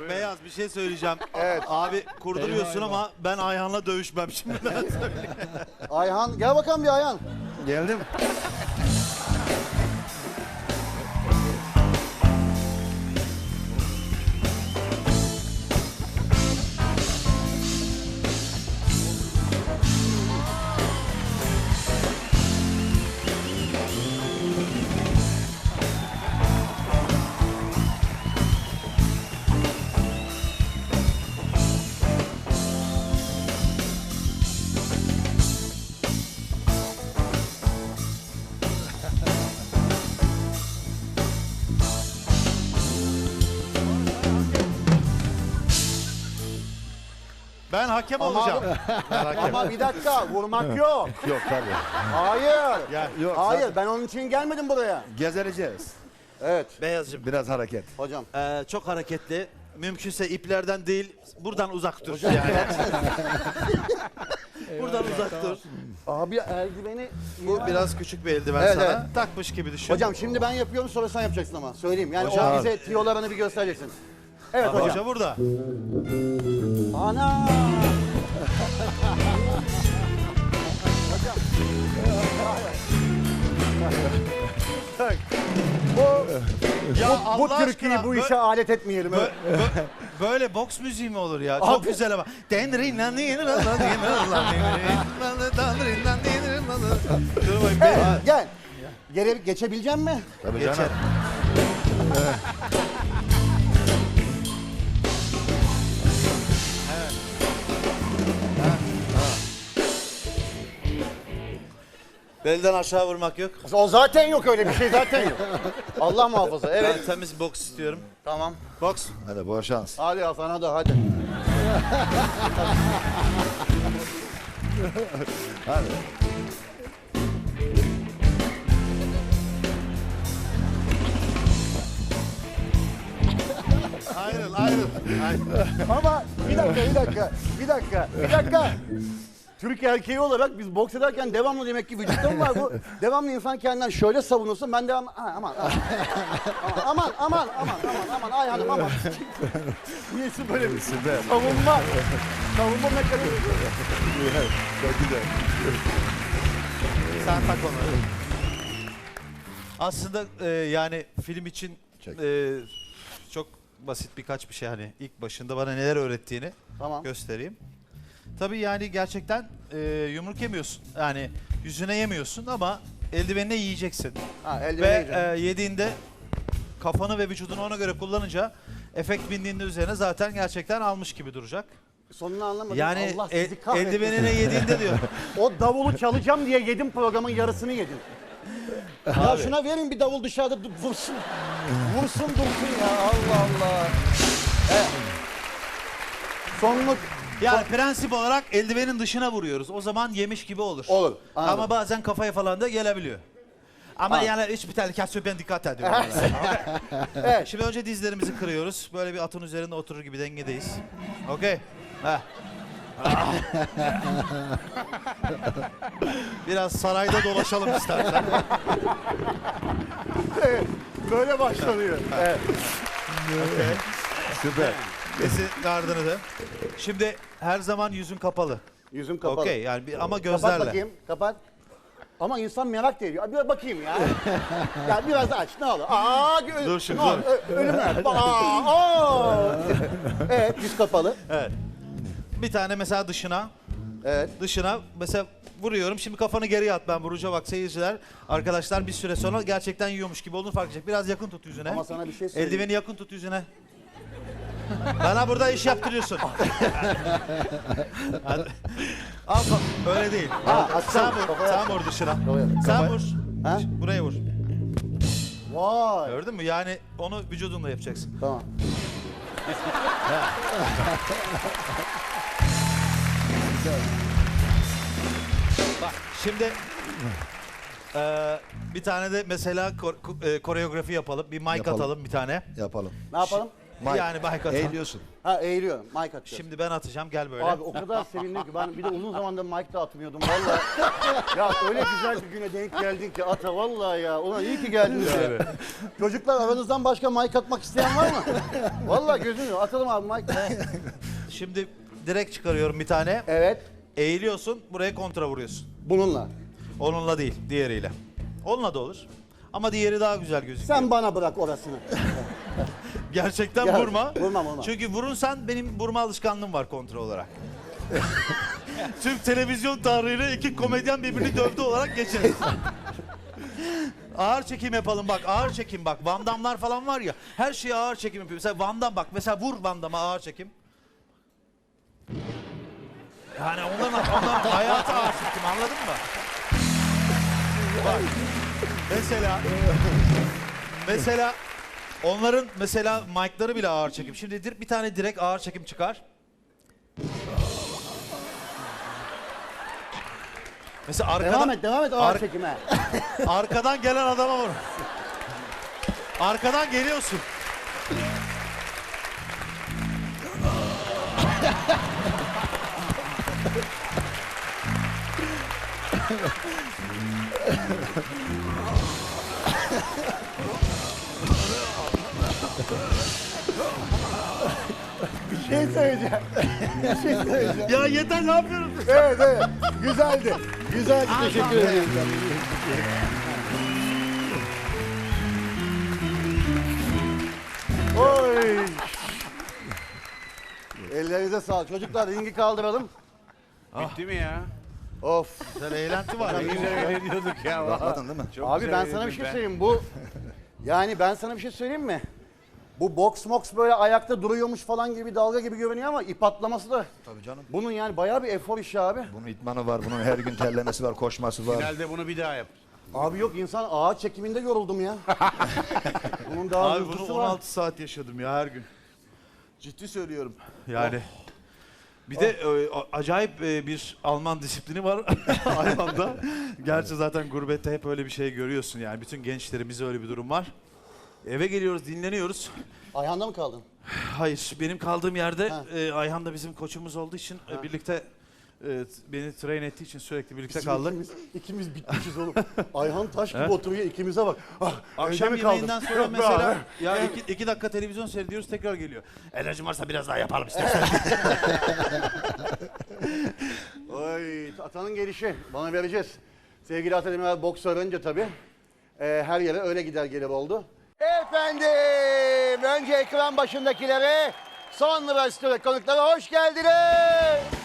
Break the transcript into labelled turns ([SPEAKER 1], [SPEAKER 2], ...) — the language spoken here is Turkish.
[SPEAKER 1] Beyaz bir şey söyleyeceğim.
[SPEAKER 2] Evet.
[SPEAKER 1] Abi kurduruyorsun ama ben Ayhan'la dövüşmem şimdi.
[SPEAKER 2] Ayhan gel bakalım bir Ayhan.
[SPEAKER 3] Geldim.
[SPEAKER 1] Ben hakem
[SPEAKER 2] Ama-
[SPEAKER 1] olacağım. Ben hakem.
[SPEAKER 2] Ama bir dakika vurmak yok.
[SPEAKER 3] Yok tabii.
[SPEAKER 2] Hayır.
[SPEAKER 1] Gel.
[SPEAKER 3] Yok.
[SPEAKER 2] Hayır ben onun için gelmedim buraya.
[SPEAKER 3] Gezereceğiz.
[SPEAKER 2] Evet
[SPEAKER 1] Beyazcığım.
[SPEAKER 3] Biraz hareket.
[SPEAKER 2] hocam.
[SPEAKER 1] Çok hareketli. Mümkünse iplerden değil, buradan uzak dur. Yani. Buradan uzak dur.
[SPEAKER 2] Abi eldiveni...
[SPEAKER 1] Bu biraz küçük bir eldiven
[SPEAKER 2] Evet,
[SPEAKER 1] sana.
[SPEAKER 2] evet.
[SPEAKER 1] Takmış gibi düşün.
[SPEAKER 2] Hocam şimdi ben yapıyorum sonra sen yapacaksın ama. Söyleyeyim yani
[SPEAKER 1] Hocam.
[SPEAKER 2] o bize tiyolarını bir göstereceksin. Evet hocam.
[SPEAKER 1] Hoca burada.
[SPEAKER 2] Ana!
[SPEAKER 1] Ya
[SPEAKER 2] Bu
[SPEAKER 1] Allah
[SPEAKER 2] Türkiye'yi
[SPEAKER 1] aşkına,
[SPEAKER 2] bu işe alet etmeyelim.
[SPEAKER 1] böyle boks müziği mi olur ya? Çok
[SPEAKER 2] Abi.
[SPEAKER 1] güzel ama. Dur bakayım.
[SPEAKER 2] Evet, gel. Geçebilecek mi?
[SPEAKER 3] Tabii
[SPEAKER 1] Geçer.
[SPEAKER 3] canım.
[SPEAKER 1] Belden aşağı vurmak yok.
[SPEAKER 2] O zaten yok öyle bir şey zaten yok. Allah muhafaza. Evet.
[SPEAKER 1] Ben temiz boks istiyorum.
[SPEAKER 2] Tamam.
[SPEAKER 1] Boks.
[SPEAKER 3] Hadi bol şans.
[SPEAKER 2] Hadi ya sana da hadi.
[SPEAKER 3] Hadi.
[SPEAKER 1] Ayrıl, ayrıl.
[SPEAKER 2] Ama bir dakika. Türk erkeği olarak biz boks ederken devamlı demek ki vücutta mı var bu? Devamlı insan kendinden şöyle savunursun ben devam aman Ayhan'ım aman. Niyesi böyle bir
[SPEAKER 3] Süper.
[SPEAKER 2] savunma mekanizması.
[SPEAKER 3] Çok güzel.
[SPEAKER 1] Sen tak onu. Aslında yani film için
[SPEAKER 3] Çek.
[SPEAKER 1] çok basit birkaç bir şey hani ilk başında bana neler öğrettiğini
[SPEAKER 2] Tamam.
[SPEAKER 1] göstereyim. Tabii yani gerçekten yumruk yemiyorsun. Yani yüzüne yemiyorsun ama eldivenine yiyeceksin.
[SPEAKER 2] Ha
[SPEAKER 1] Ve
[SPEAKER 2] eldiveni yiyeceğim.
[SPEAKER 1] yediğinde kafanı ve vücudunu ona göre kullanınca efekt bindiğinde üzerine zaten gerçekten almış gibi duracak.
[SPEAKER 2] Sonunu anlamadım.
[SPEAKER 1] Yani
[SPEAKER 2] Allah sizi kahretsin.
[SPEAKER 1] eldivenine yediğinde diyor.
[SPEAKER 2] O davulu çalacağım diye yedim programın yarısını yedim. Ya şuna verin bir davul dışarıda vursun. Vursun dursun ya Allah Allah. Evet. Sonluk
[SPEAKER 1] Yani prensip olarak eldivenin dışına vuruyoruz. O zaman yemiş gibi olur.
[SPEAKER 2] Olur, anladım.
[SPEAKER 1] Ama bazen kafaya falan da gelebiliyor. Ama yani hiçbir tehlikesi yok, ben dikkat ediyorum.
[SPEAKER 2] Evet.
[SPEAKER 1] Şimdi önce dizlerimizi kırıyoruz. Böyle bir atın üzerinde oturur gibi dengedeyiz. Okey. Heh. Biraz sarayda dolaşalım istersen.
[SPEAKER 2] böyle başlanıyor. Evet.
[SPEAKER 3] Süper.
[SPEAKER 1] Kesin gardını da. Şimdi her zaman yüzün kapalı.
[SPEAKER 2] Yüzüm kapalı.
[SPEAKER 1] Okey yani ama
[SPEAKER 2] Kapat
[SPEAKER 1] gözlerle.
[SPEAKER 2] bakayım. Kapat. Ama insan merak da ediyor. Bir bakayım ya. Ya biraz aç ne olur.
[SPEAKER 1] Dur şimdi,
[SPEAKER 2] ne olur, ölüm ver. Evet yüz kapalı.
[SPEAKER 1] Evet. Bir tane mesela dışına.
[SPEAKER 2] Evet.
[SPEAKER 1] Dışına mesela vuruyorum. Şimdi kafanı geriye at, ben vuracağım, bak seyirciler. Arkadaşlar bir süre sonra gerçekten yiyormuş gibi olduğunu fark edecek. Biraz yakın tut yüzüne.
[SPEAKER 2] Ama sana bir şey söyleyeyim.
[SPEAKER 1] Eldiveni yakın tut yüzüne. Bana burada iş yaptırıyorsun. Hadi. Al öyle değil. Sen
[SPEAKER 2] atsana,
[SPEAKER 1] vur.
[SPEAKER 2] kafaya
[SPEAKER 1] Sen
[SPEAKER 2] at.
[SPEAKER 1] vur dışına.
[SPEAKER 2] Kafaya.
[SPEAKER 1] Sen
[SPEAKER 2] Kafaya.
[SPEAKER 1] vur.
[SPEAKER 2] Ha?
[SPEAKER 1] Buraya vur.
[SPEAKER 2] Vay.
[SPEAKER 1] Gördün mü? Yani onu vücudunla yapacaksın.
[SPEAKER 2] Tamam.
[SPEAKER 1] Bak şimdi bir tane de mesela koreografi yapalım. Bir mic
[SPEAKER 3] Yapalım.
[SPEAKER 1] atalım bir tane.
[SPEAKER 3] Yapalım.
[SPEAKER 2] Ne yapalım?
[SPEAKER 3] Mike.
[SPEAKER 1] Yani Mike atalım.
[SPEAKER 3] Eğiliyorsun.
[SPEAKER 2] Ha eğiliyorum. Mike atacağız.
[SPEAKER 1] Şimdi ben atacağım, gel böyle.
[SPEAKER 2] Abi o kadar sevindim ki ben bir de uzun zamandır mic da atmıyordum vallahi. Ya öyle güzel bir güne denk geldin ki ata vallahi ya. Ulan iyi ki geldiniz ya. Çocuklar aranızdan başka mic atmak isteyen var mı? Vallahi gözünü atalım abi mic.
[SPEAKER 1] Şimdi direkt çıkarıyorum bir tane.
[SPEAKER 2] Evet.
[SPEAKER 1] Eğiliyorsun, buraya kontra vuruyorsun.
[SPEAKER 2] Bununla.
[SPEAKER 1] Onunla değil, diğeriyle. Onunla da olur. Ama diğeri daha güzel gözüküyor.
[SPEAKER 2] Sen bana bırak orasını.
[SPEAKER 1] Gerçekten
[SPEAKER 2] Gel,
[SPEAKER 1] vurma.
[SPEAKER 2] vurmam.
[SPEAKER 1] Çünkü vurursan benim vurma alışkanlığım var kontra olarak. Tüm televizyon tarihine iki komedyen birbirini dövdü olarak geçeriz. Ağır çekim yapalım bak, ağır çekim bak. Van Damme'lar falan var ya, her şeyi ağır çekim yapıyor. Mesela Van Damme bak, mesela vur Van Damme'a ağır çekim. Yani onların hayatı ağır çekim, anladın mı? Bak, mesela onların mesela mic'ları bile ağır çekim. Şimdi bir tane direkt ağır çekim çıkar. Mesela arkadan,
[SPEAKER 2] Devam et ağır çekime.
[SPEAKER 1] arkadan gelen adama vur. Arkadan geliyorsun.
[SPEAKER 2] Bir şey söyleyeceğim.
[SPEAKER 1] Ya yeter, ne yapıyorsun?
[SPEAKER 2] Evet. Güzeldi. Güzeldi. Teşekkür ederim. Oy. Ellerinize sağlık. Çocuklar ringi kaldıralım.
[SPEAKER 4] Bitti mi ya?
[SPEAKER 2] Of.
[SPEAKER 1] Güzel eğlenti var.
[SPEAKER 4] Ne güzel eğleniyorduk ya.
[SPEAKER 3] Bakmadın değil mi?
[SPEAKER 4] Çok
[SPEAKER 2] Abi
[SPEAKER 4] güzel
[SPEAKER 2] ben sana bir
[SPEAKER 4] eğlendim
[SPEAKER 2] şey söyleyeyim. Ben sana bir şey söyleyeyim mi? Bu box böyle ayakta duruyormuş falan gibi dalga gibi görünüyor ama ip atlaması da
[SPEAKER 3] Tabii canım.
[SPEAKER 2] bunun yani bayağı bir efor işi abi.
[SPEAKER 3] Bunun itmanı var, bunun her gün terlemesi var, koşması var.
[SPEAKER 4] Finalde bunu bir daha yap.
[SPEAKER 2] Abi yok insan ağaç çekiminde yoruldum ya. Bunun daha
[SPEAKER 5] Abi bunu
[SPEAKER 2] hızlısı var.
[SPEAKER 5] 16 saat yaşadım ya her gün. Ciddi söylüyorum. Yani
[SPEAKER 1] Bir de acayip bir Alman disiplini var hayvanda. Gerçi zaten gurbette hep öyle bir şey görüyorsun yani. Bütün gençlerimizde öyle bir durum var. Eve geliyoruz, dinleniyoruz.
[SPEAKER 2] Ayağında mı kaldın?
[SPEAKER 1] Hayır, benim kaldığım yerde
[SPEAKER 2] Ha.
[SPEAKER 1] Ayhan da bizim koçumuz olduğu için birlikte beni train ettiği için sürekli birlikte kaldık.
[SPEAKER 2] İkimiz bitmişiz oğlum. Ayhan taş gibi oturuyor ikimize bak. Ah,
[SPEAKER 1] Akşam
[SPEAKER 2] evde mi kaldın?
[SPEAKER 1] yemeğinden sonra
[SPEAKER 2] Yok be
[SPEAKER 1] mesela
[SPEAKER 2] abi.
[SPEAKER 1] ya iki dakika televizyon seyrediyoruz, tekrar geliyor. Enerjim varsa biraz daha yapalım istersen.
[SPEAKER 2] Oy, Atanın gelişi. Bana vereceğiz. Sevgili Ata Demirer boks öğrenince tabii. Her yere öyle gider gelir oldu. Efendim, önce ekran başındakilere, sonra stüdyo konuklara hoş geldiniz.